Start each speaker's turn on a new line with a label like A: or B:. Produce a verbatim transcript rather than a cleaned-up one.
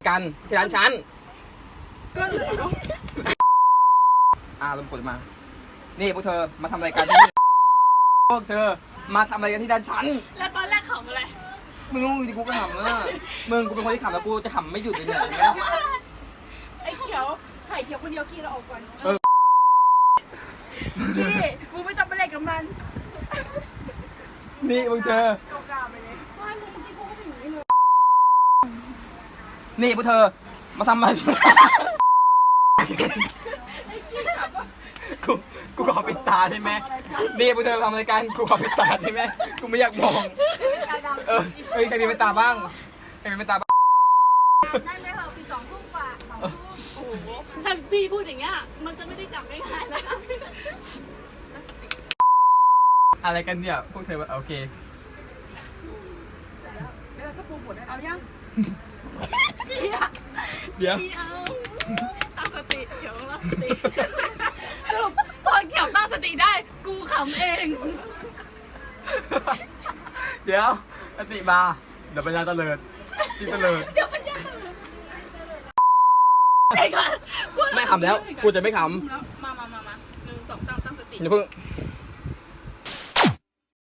A: กันที่ร้านฉัน
B: ก็เหลือ
A: อ่าลมกดมานี่พวกเธอมาทำอะไรกันที่นี่พวกเธอมาทำอะไรกันที่ร้านฉัน
B: แล้วตอนแรกขำอะไร
A: มึงรู้ดิกูก็ขำนะมึงกูเป็นคนที่ขำแล้วกูจะขำไม่หยุดเลยเนี่ย
B: ไอ้เขียวไข่เขียวคนเดียวกินเราออกก่อน
A: เออ
B: พี่กูไม่ต้องไปเล่นกับมัน
A: นี่พวกเธอ
B: กล้าไปเลยว่ามึงกินกูก็ไม่อยู่นี่เลย
A: นี่พวกเธอมาทำอะไรกูกูขอปิดตาได้ไหมนี่พวกเธอทำอะไรกันกูขอปิดตาได้ไหมกูไม่อยากมองเออเฮ้ยใครมีปิดตาบ้างใครมีปิดตาบ้าง
B: ได้ไหมเหรอปีสองทุ่มกว่าสองทุ่มโอ้โหถ้าพี่พูดอย่างเงี้ยมันจะไม่ได้จับง่ายๆนะ
A: อะไรกันเนี่ยพวกเธอโอเค
B: เอายัง
A: เดี๋ยว
B: ตั้งสติเดี๋ยวตั้งสติสรุปพอเขียวตั้งสติได้กูขำเอง
A: เดี๋ยวสติมาเดี๋ยวปัญญาตะเลิดจิตตะเลิด
B: เดี๋ยวปัญญา
A: ไม่ขำแล้วกูจะไม่ขำ
B: มามามามาหนึ่งสองสามตั้งสติ
A: อย่าเพิ่ง